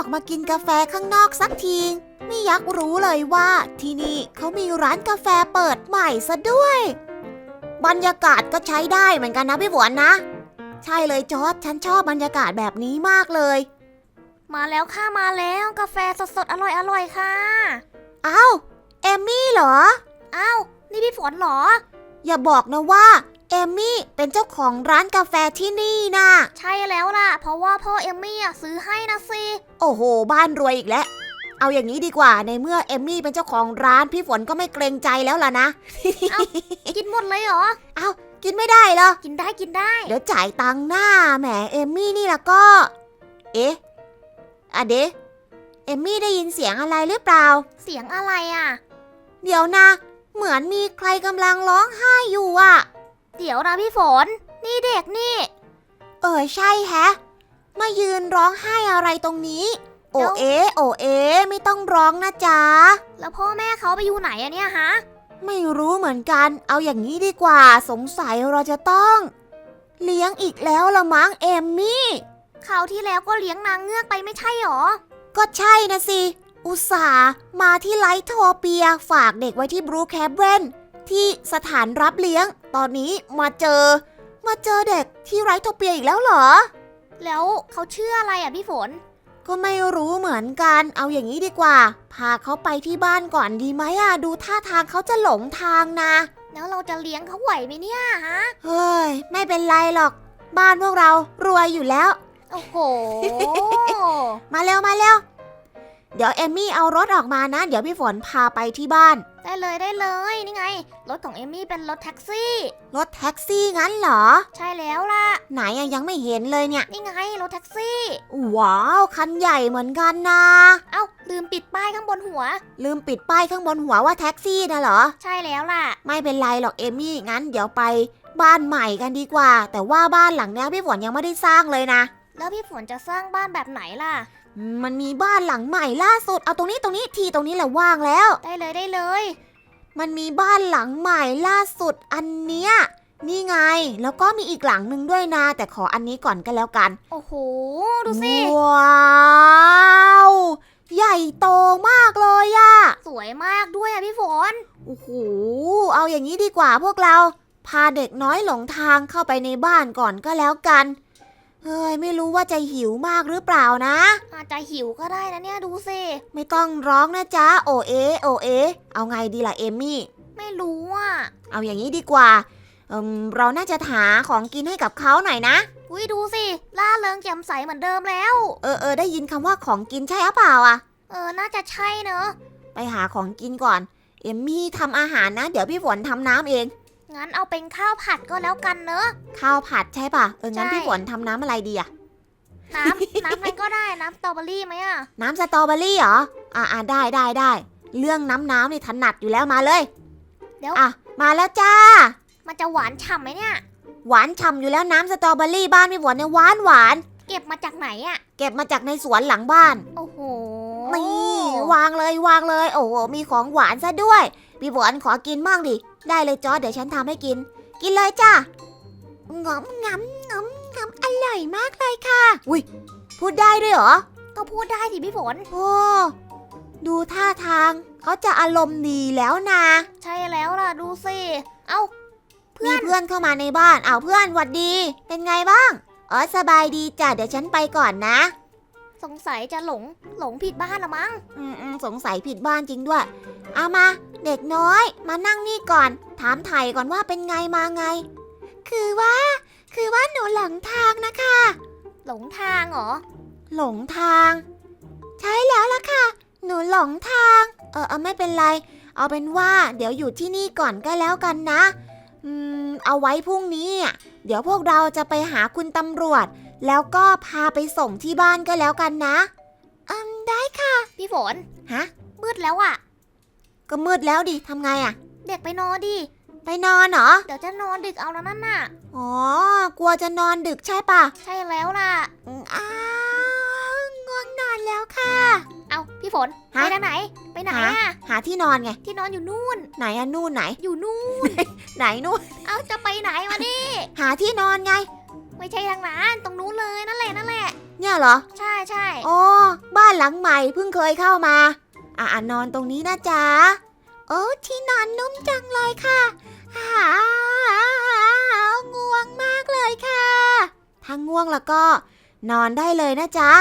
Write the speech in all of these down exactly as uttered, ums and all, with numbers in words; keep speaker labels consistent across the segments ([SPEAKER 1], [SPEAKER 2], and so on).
[SPEAKER 1] มากินกาแฟข้างนอกสักทีไม่ยักรู้เลยว่าที่นี่เขามีร้านกาแฟเปิดใหม่ซะด้วยบรรยากาศก็ใช้ได้เหมือนกันนะพี่ฝนนะใช่เลยจอร์จฉันชอบบรรยากาศแบบนี้มากเลย
[SPEAKER 2] มาแล้วค่ะมาแล้วกาแฟสดๆอร่อยๆค่ะ
[SPEAKER 1] อ้าวเอมมี่เหรอ
[SPEAKER 2] อ้าวนี่พี่ฝนเหรอ
[SPEAKER 1] อย่าบอกนะว่าเอมมี่เป็นเจ้าของร้านกาแฟที่นี่นะ
[SPEAKER 2] ใช่แล้วล่ะเพราะว่าพ่อเอมมี่อ่ะซื้อให้นะสิ
[SPEAKER 1] โอ้โหบ้านรวยอีกแล้วเอาอย่างนี้ดีกว่าในเมื่อเอมมี่เป็นเจ้าของร้านพี่ฝนก็ไม่เกรงใจแล้วล่ะนะ
[SPEAKER 2] เอากินหมดเลยเหรอ
[SPEAKER 1] เอากินไม่ได้เหรอ
[SPEAKER 2] กินได้กินได้
[SPEAKER 1] เดี๋ยวจ่ายตังค์หน้าแหมเอมมี่นี่ล่ะก็เอ๊ะอะเดะเอมมี่ได้ยินเสียงอะไรหรือเปล่า
[SPEAKER 2] เสียงอะไรอ่ะ
[SPEAKER 1] เดี๋ยวนะเหมือนมีใครกำลังร้องไห้อยู่อ่ะ
[SPEAKER 2] เดี๋ยวนะพี่ฝนนี่เด็กนี่
[SPEAKER 1] เออใช่แฮะมายืนร้องไห้อะไรตรงนี้โอเอโอเอไม่ต้องร้องนะจ๊ะ
[SPEAKER 2] แล้วพ่อแม่เขาไปอยู่ไหนอะเนี่ยฮะ
[SPEAKER 1] ไม่รู้เหมือนกันเอาอย่างนี้ดีกว่าสงสัยเราจะต้องเลี้ยงอีกแล้วละมั้งเอมมี่
[SPEAKER 2] คราวที่แล้วก็เลี้ยงนางเงือกไปไม่ใช่หรอ
[SPEAKER 1] ก็ใช่นะสิอุตส่าห์มาที่ไลท์โทเปียฝากเด็กไว้ที่บรูแคปเวนที่สถานรับเลี้ยงตอนนี้มาเจอมาเจอเด็กที่ไลท์โทเปียอีกแล้วเหรอ
[SPEAKER 2] แล้วเขาชื่ออะไรอ่ะพี่ฝน
[SPEAKER 1] ก็ไม่รู้เหมือนกันเอาอย่างนี้ดีกว่าพาเขาไปที่บ้านก่อนดีไหมอ่ะดูท่าทางเขาจะหลงทางนะ
[SPEAKER 2] แล้วเราจะเลี้ยงเขาไหวไหมเนี่ยฮะ
[SPEAKER 1] เฮ้ยไม่เป็นไรหรอกบ้านพวกเรารวยอยู่แล้ว
[SPEAKER 2] โอ้โห
[SPEAKER 1] มาเร็วมาเร็วเดี๋ยวเอมมี่เอารถออกมานะเดี๋ยวพี่ฝนพาไปที่บ้าน
[SPEAKER 2] ได้เลยได้เลยนี่ไงรถของเอมมี่เป็นรถแท็กซี่
[SPEAKER 1] รถแท็กซี่งั้นเหรอ
[SPEAKER 2] ใช่แล้วล่ะ
[SPEAKER 1] ไหนยังไม่เห็นเลยเนี่ย
[SPEAKER 2] นี่ไงรถแท็กซี่
[SPEAKER 1] ว้าวคันใหญ่เหมือนกันนะ
[SPEAKER 2] เอ้าลืมปิดป้ายข้างบนหัว
[SPEAKER 1] ลืมปิดป้ายข้างบนหัวว่าแท็กซี่นะเหรอ
[SPEAKER 2] ใช่แล้วล่ะ
[SPEAKER 1] ไม่เป็นไรหรอกเอมมี่งั้นเดี๋ยวไปบ้านใหม่กันดีกว่าแต่ว่าบ้านหลังนี้พี่ฝนยังไม่ได้สร้างเลยนะ
[SPEAKER 2] แล้วพี่ฝนจะสร้างบ้านแบบไหนล่ะ
[SPEAKER 1] มันมีบ้านหลังใหม่ล่าสุดเอาตรงนี้ตรงนี้ทีตรงนี้แหละว่างแล้ว
[SPEAKER 2] ได้เลยได้เลย
[SPEAKER 1] มันมีบ้านหลังใหม่ล่าสุดอันเนี้ยนี่ไงแล้วก็มีอีกหลังหนึ่งด้วยนะแต่ขออันนี้ก่อนก็แล้วกัน
[SPEAKER 2] โอ้โหดูสิ
[SPEAKER 1] ว้าวใหญ่โตมากเลยอะ
[SPEAKER 2] สวยมากด้วยอะพี่ฝน
[SPEAKER 1] โอ้โหเอาอย่างนี้ดีกว่าพวกเราพาเด็กน้อยหลงทางเข้าไปในบ้านก่อนก็แล้วกันเฮ้ยไม่รู้ว่าจะหิวมากหรือเปล่านะ
[SPEAKER 2] อาจจะหิวก็ได้นะเนี่ยดูสิ
[SPEAKER 1] ไม่ต้องร้องนะจ๊ะโอเอโอเอเอาไงดีล่ะเอมมี่
[SPEAKER 2] ไม่รู้อ่ะ
[SPEAKER 1] เอาอย่างนี้ดีกว่าเออเราน่าจะหาของกินให้กับเขาหน่อยนะ
[SPEAKER 2] อุ้ยดูสิล่าเริงแจ่มใสเหมือนเดิมแล้ว
[SPEAKER 1] เออเออได้ยินคำว่าของกินใช่หรือเปล่าอ่ะ
[SPEAKER 2] เออน่าจะใช่เนอะ
[SPEAKER 1] ไปหาของกินก่อนเอมมี่ทำอาหารนะเดี๋ยวพี่ฝนทำน้ำเอง
[SPEAKER 2] งั้นเอาเป็นข้าวผัดก็แล้วกันเนอะ
[SPEAKER 1] ข้าวผัดใช่ป่ะเอองั้นพี่ฝนทำน้ำอะไรดีอะ
[SPEAKER 2] น้ำน้ำอะไรก็ได้น้ำสตรอเบอรี่ไหมอะ
[SPEAKER 1] น้ำสตรอเบอรี่เหรออ่าอ่าได้ได้ได้เรื่องน้ำน้ำนี่ถนัดอยู่แล้วมาเลย
[SPEAKER 2] เดี๋ยว
[SPEAKER 1] อ่ะมาแล้วจ้า
[SPEAKER 2] มันจะหวานฉ่ำไหมเนี่ย
[SPEAKER 1] หวานฉ่ำอยู่แล้วน้ำสตรอเบอรี่บ้านพี่ฝนเนี่ยหวานหวาน
[SPEAKER 2] เก็บมาจากไหนอะ
[SPEAKER 1] เก็บมาจากในสวนหลังบ้าน
[SPEAKER 2] โอ้โห
[SPEAKER 1] นี่วางเลยวางเลยโอ้โหมีของหวานซะด้วยพี่ฝนขอกินบ้างดิได้เลยจอร์จเดี๋ยวฉันทำให้กินกินเลยจ้างอมงำงำงำอร่อยมากเลยค่ะอุ้ยพูดได้ด้วยเหรอ
[SPEAKER 2] ก็พูดได้สิพี่ฝน
[SPEAKER 1] โอ้ดูท่าทางเขาจะอารมณ์ดีแล้วนะ
[SPEAKER 2] ใช่แล้วล่ะดูสิเอ้า
[SPEAKER 1] เพื่อนเพื่อนเข้ามาในบ้านเอาเพื่อนหวัดดีเป็นไงบ้างอ๋อสบายดีจ้ะเดี๋ยวฉันไปก่อนนะ
[SPEAKER 2] สงสัยจะหลงหลงผิดบ้านละมั้ง
[SPEAKER 1] อืมอืมสงสัยผิดบ้านจริงด้วยเอามาเด็กน้อยมานั่งนี่ก่อนถามไถ่ก่อนว่าเป็นไงมาไงคือว่าคือว่าหนูหลงทางนะคะ
[SPEAKER 2] หลงทางเหรอ
[SPEAKER 1] หลงทางใช่แล้วล่ะค่ะหนูหลงทางเออเออไม่เป็นไรเอาเป็นว่าเดี๋ยวอยู่ที่นี่ก่อนก็แล้วกันนะอืมเอาไว้พรุ่งนี้เดี๋ยวพวกเราจะไปหาคุณตำรวจแล้วก็พาไปส่งที่บ้านก็แล้วกันนะอืมได้ค่ะ
[SPEAKER 2] พี่ฝน
[SPEAKER 1] ฮะ
[SPEAKER 2] มืดแล้วอ่ะ
[SPEAKER 1] ก็มืดแล้วดิทำไงอ่ะ
[SPEAKER 2] เด็กไปนอนดิ
[SPEAKER 1] ไปนอนเหรอ
[SPEAKER 2] เดี๋ยวจะนอนดึกเอาแล้วนั่นน่ะ
[SPEAKER 1] อ๋อกลัวจะนอนดึกใช่ปะ
[SPEAKER 2] ใช่แล้วล่ะ
[SPEAKER 1] อ้าวง่วงนอนแล้วค่ะ
[SPEAKER 2] เอาพี่ฝนไปทางไหนไปไหนอ่ะ
[SPEAKER 1] หาที่นอนไง
[SPEAKER 2] ที่นอนอยู่นู่น
[SPEAKER 1] ไหนอะนู่นไหน
[SPEAKER 2] อยู่นู่น
[SPEAKER 1] ไหนนู่น
[SPEAKER 2] เอาจะไปไหนวะนี่
[SPEAKER 1] หาที่นอนไง
[SPEAKER 2] ไม่ใช่ทางนั้นตรงนู้นเลยนั่นแหละนั่นแหละ
[SPEAKER 1] เนี่ยเหรอ
[SPEAKER 2] ใช่ใช่
[SPEAKER 1] อ๋อบ้านหลังใหม่เพิ่งเคยเข้ามาอ่ะอ่ะนอนตรงนี้นะจ๊ะโอ้ที่นอนนุ่มจังเลยค่ะหาง่วงมากเลยค่ะถ้าง่วงแล้วก็นอนได้เลยนะจ๊ะ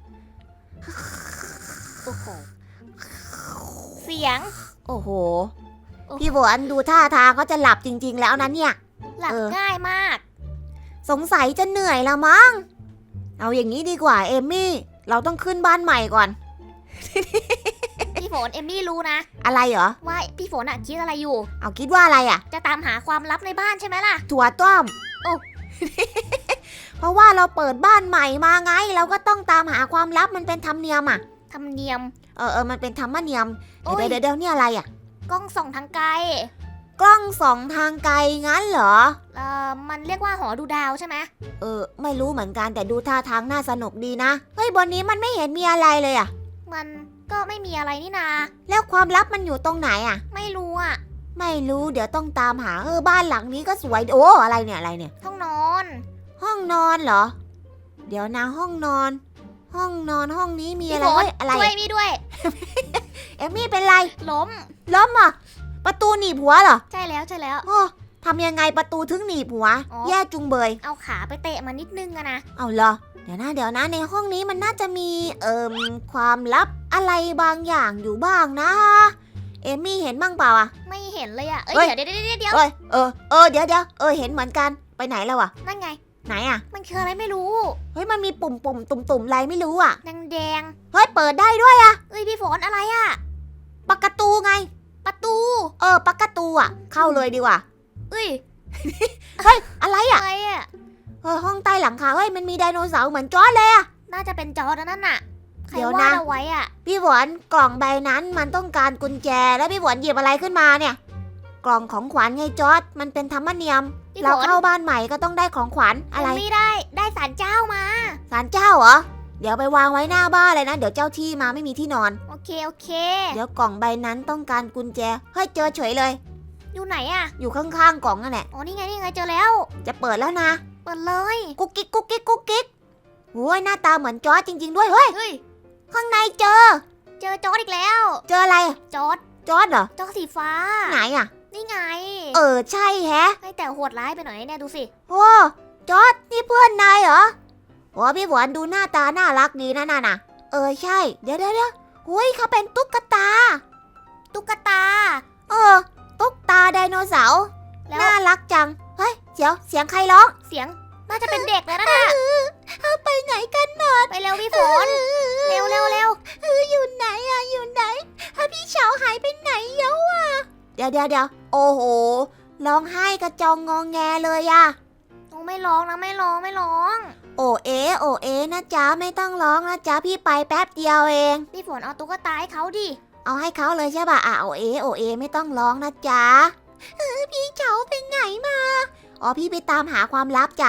[SPEAKER 2] โอ้โหเสียง
[SPEAKER 1] โอ้โห
[SPEAKER 2] โอ้โห
[SPEAKER 1] พี่ฝนดูท่าทางเขาจะหลับจริงๆแล้วนะเนี่ย
[SPEAKER 2] หลับ
[SPEAKER 1] เออ
[SPEAKER 2] ง่ายมาก
[SPEAKER 1] สงสัยจะเหนื่อยละมั้งเอาอย่างนี้ดีกว่าเอมมี่เราต้องขึ้นบ้านใหม่ก่อน
[SPEAKER 2] พี่ฝนเอมมี่รู้นะ
[SPEAKER 1] อะไรเหรอ
[SPEAKER 2] ว่าพี่ฝนอะคิดอะไรอยู่
[SPEAKER 1] เอาคิดว่าอะไรอ่ะ
[SPEAKER 2] จะตามหาความลับในบ้านใช่ไหมล่ะ
[SPEAKER 1] ถั่วต้ม
[SPEAKER 2] โอ้
[SPEAKER 1] เพราะว่าเราเปิดบ้านใหม่มาไง เราก็ต้องตามหาความลับมันเป็นธรรมเนียมอ่ะ
[SPEAKER 2] ธรรมเนียม
[SPEAKER 1] เออเออมันเป็นธรรมเนียม
[SPEAKER 2] โอ้ย
[SPEAKER 1] เดี๋ยวเดี๋ยวเดี๋ยวนี่อะไรอ่ะ
[SPEAKER 2] กล้องส่องทางไกล
[SPEAKER 1] กล้องสองทางไกลงั้นเหรอ
[SPEAKER 2] เอ่อมันเรียกว่าหอดูดาวใช่ไหม
[SPEAKER 1] เออไม่รู้เหมือนกันแต่ดูท่าทางน่าสนุกดีนะเฮ้ยบนนี้มันไม่เห็นมีอะไรเลยอ่ะ
[SPEAKER 2] มันก็ไม่มีอะไรนี่นา
[SPEAKER 1] แล้วความลับมันอยู่ตรงไหนอ่ะ
[SPEAKER 2] ไม่รู้อะ
[SPEAKER 1] ไม่รู้เดี๋ยวต้องตามหาเออบ้านหลังนี้ก็สวยโอ้อะไรเนี่ยอะไรเนี่ย
[SPEAKER 2] ห้องนอน
[SPEAKER 1] ห้องนอนเหรอ เดี๋ยวนะห้องนอน ห้องนอนห้องนี้มีอะไร
[SPEAKER 2] พี่ฝน
[SPEAKER 1] เฮ้ยอะไร
[SPEAKER 2] ช่วย
[SPEAKER 1] อะ
[SPEAKER 2] มีด้วย
[SPEAKER 1] เอมมี่เป็นไร
[SPEAKER 2] ล้ม
[SPEAKER 1] ล้มอ่ะประตูหนีบหัวเหรอ
[SPEAKER 2] ใช่แล้วใช่แล้ว
[SPEAKER 1] โอ้ทำยังไงประตูถึงหนีบหัว
[SPEAKER 2] อ๋อ
[SPEAKER 1] แย่จุงเบย
[SPEAKER 2] เอาขาไปเตะมันนิดนึงอะนะ
[SPEAKER 1] เอาเหรอเดี๋ยวนะเดี๋ยวนะในห้องนี้มันน่าจะมีเอ่มความลับอะไรบางอย่างอยู่บ้างนะ เอมมี่เห็นบ้างเปล่าอ่ะ
[SPEAKER 2] ไม่เห็นเลยอะเอ้ย
[SPEAKER 1] เฮ้ย
[SPEAKER 2] เดี๋ยวเดี๋ยวเดี๋ยวเดี๋ยว
[SPEAKER 1] เอ้ยเออเออเดี๋ยวเดี๋ยวเออเห็นเหมือนกันไปไหนแล้วอ่ะ
[SPEAKER 2] นั่นไง
[SPEAKER 1] ไหนอ่ะ
[SPEAKER 2] มันคืออะไรไม่รู้
[SPEAKER 1] เฮ้ยมันมีปุ่มปุ่มตุ่มตุ่มๆอะไรไม่รู้อ่ะ
[SPEAKER 2] แดงแดง
[SPEAKER 1] เฮ้ยเปิดได้ด้วยอ่ะ
[SPEAKER 2] ๆเอ้ยพี่ฝนอะไรอะ
[SPEAKER 1] ปากกาตูไง
[SPEAKER 2] ประตู
[SPEAKER 1] เออปากกาตูอ่ะ เข้าเลยดีกว่า
[SPEAKER 2] เอ้ย
[SPEAKER 1] เฮ้ยอะไรอ่ะ
[SPEAKER 2] อะไรอะ
[SPEAKER 1] เออห้องใต้หลังคาเฮ้ยมันมีไดโนเสาร์เหมือนจอร์จเลยอ่ะ
[SPEAKER 2] น่าจะเป็นจอร์ดนั่นน่ะใคร
[SPEAKER 1] เดี๋ยว
[SPEAKER 2] วา
[SPEAKER 1] นะ
[SPEAKER 2] ดเอาไว้อะ
[SPEAKER 1] พี่หวนกล่องใบนั้นมันต้องการกุญแจแล้วพี่หวนหยิบอะไรขึ้นมาเนี่ย กล่องของขวัญไงจอร์จมันเป็นธรรมเนียม
[SPEAKER 2] พี่ฝ
[SPEAKER 1] เรา
[SPEAKER 2] น
[SPEAKER 1] เข้าบ้านใหม่ก็ต้องได้ของขวัญอะไร
[SPEAKER 2] ยังไม่ได้ได้สารเจ้ามา
[SPEAKER 1] ศาลเจ้าเหรอเดี๋ยวไปวางไว้หน้าบ้านเลยนะเดี๋ยวเจ้าที่มาไม่มีที่นอน
[SPEAKER 2] โอเคโอเค
[SPEAKER 1] เดี๋ยวกล่องใบนั้นต้องการกุญแจเฮ้ยเจอเฉยเลย
[SPEAKER 2] อยู่ไหนอะ
[SPEAKER 1] อยู่ข้างๆกล่องนั่นแหละ
[SPEAKER 2] อ๋อนี่ไงนี่ไงเจอแล้ว
[SPEAKER 1] จะเปิดแล้วนะ
[SPEAKER 2] เปิดเลย
[SPEAKER 1] กุ๊กกิ๊กกุ๊กกิ๊กกุ๊กกิ๊กโอ้ยหน้าตาเหมือนจอร์จจริง ๆ ด้วยเฮ้ย
[SPEAKER 2] เฮ้ย
[SPEAKER 1] ข้างในเจอ
[SPEAKER 2] เจอจอร์ดอีกแล้ว
[SPEAKER 1] เจออะไรอะ
[SPEAKER 2] จอร์ด
[SPEAKER 1] จอร์จเหรอ
[SPEAKER 2] จอร์ดสีฟ้า
[SPEAKER 1] ไหนอ่ะ
[SPEAKER 2] นี่ไง
[SPEAKER 1] เออใช่แฮะ
[SPEAKER 2] ให้แต่โหดร้ายไปหน่อยเนี่ยดูสิ
[SPEAKER 1] โอ้จอร์จนี่เพื่อนนายเหรอโอ้พี่หวานดูหน้าตาน่ารักดีนะน่ะนะเออใช่ เดี๋ยวเดี๋ยวเดี๋ยวหุยเขาเป็นตุ๊กตา
[SPEAKER 2] ตุ๊กตา
[SPEAKER 1] เออ ตุ๊กตาไดโนเสาร์
[SPEAKER 2] แล้ว
[SPEAKER 1] น่ารักจัง เฮ้ยเดี๋ยวเสียงใครร้อง
[SPEAKER 2] เสียงน่าจะเป็นเด็กเลยนะน่ะ
[SPEAKER 1] ไปไหนกันหมด
[SPEAKER 2] ไปเร็วพี่ฝน เร็วเร็วเร็ว
[SPEAKER 1] อยู่ไหนอะอยู่ไหนพี่เฉาหายไปไหนเยอะอะเดี๋ยวเดี๋ยวเดี๋ยวโอ้โหร้องไห้กระจองงองแงเลยอะ
[SPEAKER 2] โอ้ไม่ร้องนะไม่ร้องไม่ร้อง
[SPEAKER 1] โอเอโอเอนะจ๊ะไม่ต้องร้องนะจ๊ะพี่ไปแป๊บเดียวเอง
[SPEAKER 2] พี่ฝนเอาตุ๊กตาให้เขาดิ
[SPEAKER 1] เอาให้เขาเลยใช่ป่ะอ่ะโอเอโอเอไม่ต้องร้องนะจ๊ะเออพี่เฉาไปไหนมาอ๋อพี่ไปตามหาความลับจ้ะ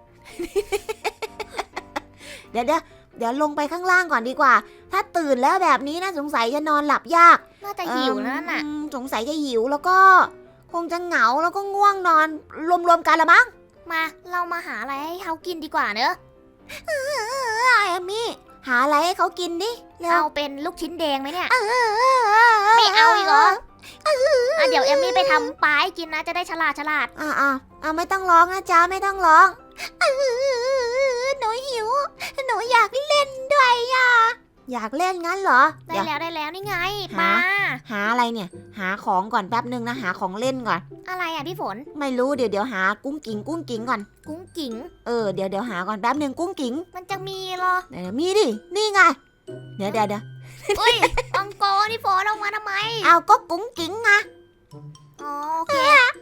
[SPEAKER 1] เดี๋ยวเดี๋ยวเดี๋ยวลงไปข้างล่างก่อนดีกว่า ถ้าตื่นแล้วแบบนี้นะสงสัยจะนอนหลับยาก
[SPEAKER 2] น่าจะหิวนะนั่นน่ะ
[SPEAKER 1] อืมสงสัยจะหิวแล้วก็ คงจะเหงาแล้วก็ง่วงนอนรวมๆกันละมั้ง
[SPEAKER 2] มาเรามาหาอะไรให้เขากินดีกว่าเนอะ
[SPEAKER 1] เออเอมมี่หาอะไรให้เขากินดิเร็ว
[SPEAKER 2] เอาเป็นลูกชิ้นแดงไหมเนี่ย
[SPEAKER 1] เออ
[SPEAKER 2] ไม่เอาอีกเหรอ อ่ะเดี๋ยวเอมมี่ไปทำปลาให้กินนะจะได้ฉลาดฉลาด
[SPEAKER 1] อ่าอ่าอ่าไม่ต้องร้องนะจ๊ะไม่ต้องร้องเออหนูหิว หนูอยากเล่นด้วยอ่ะอยากเล่นงั้นเหรอ
[SPEAKER 2] ได้
[SPEAKER 1] เดี๋ยว
[SPEAKER 2] แล้วได้แล้วนี่ไง
[SPEAKER 1] หา
[SPEAKER 2] ปลา
[SPEAKER 1] หาอะไรเนี่ย หาของก่อนแป๊บนึงนะหาของเล่นก่อน
[SPEAKER 2] อะไรอ่ะพี่ฝน
[SPEAKER 1] ไม่รู้เดี๋ยวเดี๋ยวหากุ้งกิ่งกุ้งกิ่งก่อน
[SPEAKER 2] กุ้งกิ่ง
[SPEAKER 1] เออเดี๋ยวเดี๋ยวหาก่อนแป๊บนึงกุ้งกิ่ง
[SPEAKER 2] มันจะมีเหรอ
[SPEAKER 1] เดี๋ยวมีดินี่ไงเดี๋ยวเดี๋ยวเดี๋ยว
[SPEAKER 2] อุ้ยอังกอร์นี่ฝนออกมาทำไม
[SPEAKER 1] เอาก็กุ้งกิ่งไง
[SPEAKER 2] อ๋อโอเค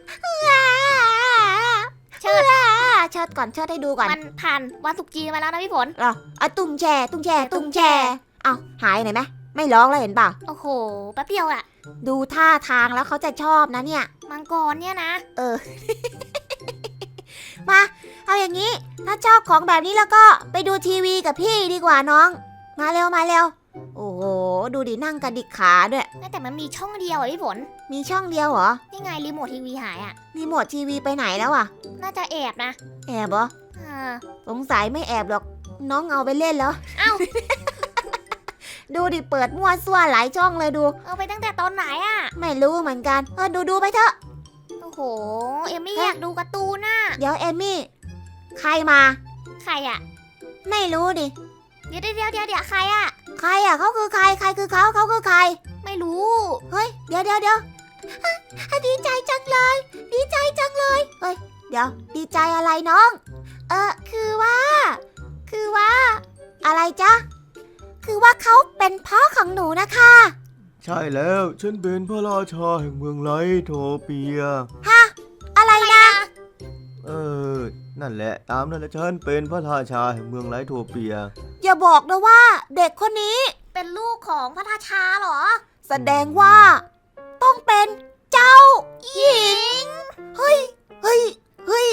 [SPEAKER 1] เชิดเชิดก่อนเชิดให้ดูก่อน
[SPEAKER 2] มันผ่านวันสุกร์จีนมาแล้วนะพี่ฝน
[SPEAKER 1] เหรออ่ะตุ้งแช่ตุ้งแช่ตุ้งแช่เอาหายไหนไหมไม่ร้องแล้วเห็นเปล่า
[SPEAKER 2] โอ้โหแป๊บเดียวอะ
[SPEAKER 1] ดูท่าทางแล้วเขาจะชอบนะเนี่ย
[SPEAKER 2] มังกรเนี่ยนะ
[SPEAKER 1] เออ มา เอาอย่างนี้ ถ้าชอบของแบบนี้แล้วก็ไปดูทีวีกับพี่ดีกว่าน้อง มาเร็วมาเร็ว โอ้โห ดูดินั่งกระดิกขาด้วย
[SPEAKER 2] แต่มันมีช่องเดียวอะพี่ฝน
[SPEAKER 1] มีช่องเดียวเหรอ
[SPEAKER 2] นี่ไงรีโมททีวีหายอะ
[SPEAKER 1] รีโมททีวีไปไหนแล้วอ่ะ
[SPEAKER 2] น่าจะแอบนะ
[SPEAKER 1] แอบเหรอ
[SPEAKER 2] อ่า
[SPEAKER 1] สงสัยไม่แอบหรอก อืน้องเอาไปเล่นแล้ว
[SPEAKER 2] เอ้า
[SPEAKER 1] ดูดิเปิดมั่วซั่วหลายช่องเลยดู
[SPEAKER 2] เอาไปตั้งแต่ตอนไหนอะ
[SPEAKER 1] ไม่รู้เหมือนกันเออดูดูไปเถอะ
[SPEAKER 2] โอ้โห เอมมี่อยากดูการ์ตูนน่ะ
[SPEAKER 1] เดี๋ยวเอมมี่ใครมา
[SPEAKER 2] ใครอะ
[SPEAKER 1] ไม่รู้ดิ
[SPEAKER 2] เดี๋ยวเดี๋ยวเดี๋ยวเดี๋ยวใครอะ
[SPEAKER 1] ใครอ่ะเขาคือใครใครคือเขาเขาคือใคร
[SPEAKER 2] ไม่รู้
[SPEAKER 1] เฮ้ยเดี๋ยวเดี๋ยวเดี๋ยวอ่ะดีใจจังเลย ดีใจจังเลยเฮ้ยเดี๋ยวดีใจอะไรน้อง เออคือว่า คือว่า อะไรจ๊ะคือว่าเขาเป็นพ่อของหนูนะคะ
[SPEAKER 3] ใช่แล้วฉันเป็นพระราชาแห่งเมืองไลโทเปีย
[SPEAKER 1] ฮะอะไรนะ
[SPEAKER 3] เออ นั่นแหละตามนั่นแหละฉันเป็นพระราชาแห่งเมืองไลโทเปีย
[SPEAKER 1] อย่าบอกนะว่า เด็กคนนี้
[SPEAKER 2] เป็นลูกของพระราชาเหรอ
[SPEAKER 1] แสดงว่า ต้องเป็นเจ้าหญิง เฮ้ยเฮ้ยเฮ้ย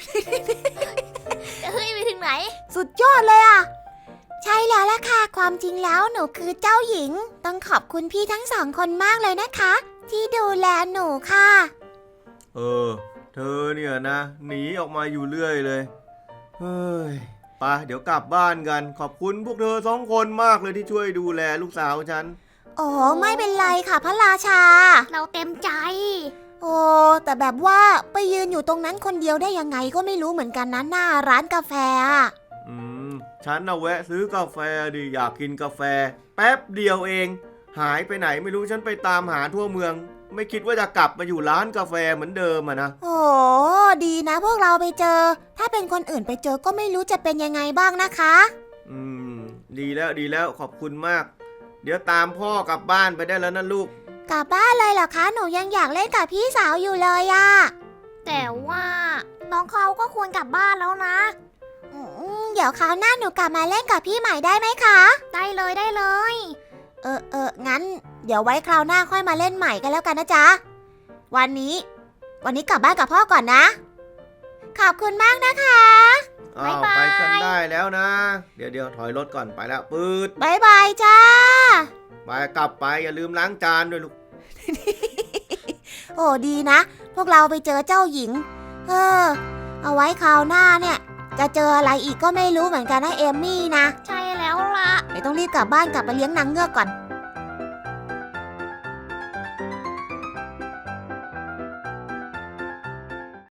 [SPEAKER 2] จะเฮ้ยไปถึงไหน
[SPEAKER 1] สุดยอดเลยอ่ะ ใช่แล้วล่ะค่ะ ความจริงแล้วหนูคือเจ้าหญิง ต้องขอบคุณพี่ทั้งสองคนมากเลยนะคะ ที่ดูแลหนูค่ะ
[SPEAKER 3] เออ เธอเนี่ยนะหนีออกมาอยู่เรื่อยเลยเฮ้ยไปเดี๋ยวกลับบ้านกัน ขอบคุณพวกเธอสองคนมากเลยที่ช่วยดูแลลูกสาวฉัน
[SPEAKER 1] โอ้ไม่เป็นไรค่ะพระราชา
[SPEAKER 2] เราเต็มใจ
[SPEAKER 1] โอ้แต่แบบว่าไปยืนอยู่ตรงนั้นคนเดียวได้ยังไงก็ไม่รู้เหมือนกันนะหน้าร้านกาแฟอะ
[SPEAKER 3] อืมฉันน่ะแวะซื้อกาแฟดิอยากกินกาแฟ แป๊บเดียวเอง หายไปไหนไม่รู้ฉันไปตามหาทั่วเมือง ไม่คิดว่าจะกลับมาอยู่ร้านกาแฟเหมือนเดิมอะนะ
[SPEAKER 1] โอ้ดีนะพวกเราไปเจอ ถ้าเป็นคนอื่นไปเจอก็ไม่รู้จะเป็นยังไงบ้างนะคะ
[SPEAKER 3] อืม ดีแล้วดีแล้วขอบคุณมาก เดี๋ยวตามพ่อกลับบ้านไปได้แล้วนะลูก
[SPEAKER 1] กลับบ้านเลยเหรอคะหนูยังอยากเล่นกับพี่สาวอยู่เลยอะ
[SPEAKER 2] แต่ว่าน้องเขาก็ควรกลับบ้านแล้วนะ
[SPEAKER 1] อืมเดี๋ยวคราวหน้าหนูกลับมาเล่นกับพี่ใหม่ได้ไหมคะ
[SPEAKER 2] ได้เลยได้เลย
[SPEAKER 1] เออเอองั้น เดี๋ยวไว้คราวหน้าค่อยมาเล่นใหม่กันแล้วกันนะจ๊ะ วันนี้ วันนี้กลับบ้านกับพ่อก่อนนะ ขอบคุณมากนะคะ
[SPEAKER 3] อ้าว
[SPEAKER 2] บ๊ายบาย
[SPEAKER 3] ไปกันได้แล้วนะ เดี๋ยวเดี๋ยวถอยรถก่อนไปแล้วปืด
[SPEAKER 1] บายบายจ้า
[SPEAKER 3] ไปกลับไปอย่าลืมล้างจานด้วยลูก
[SPEAKER 1] โอ้ดีนะ พวกเราไปเจอเจ้าหญิง เออ เอาไว้คราวหน้าเนี่ย จะเจออะไรอีกก็ไม่รู้เหมือนกันนะเอมมี่นะ
[SPEAKER 2] ใช่แล้วล่ะ
[SPEAKER 1] เดี๋ยวต้องรีบกลับบ้านกลับไปเลี้ยงนางเงือกก่อน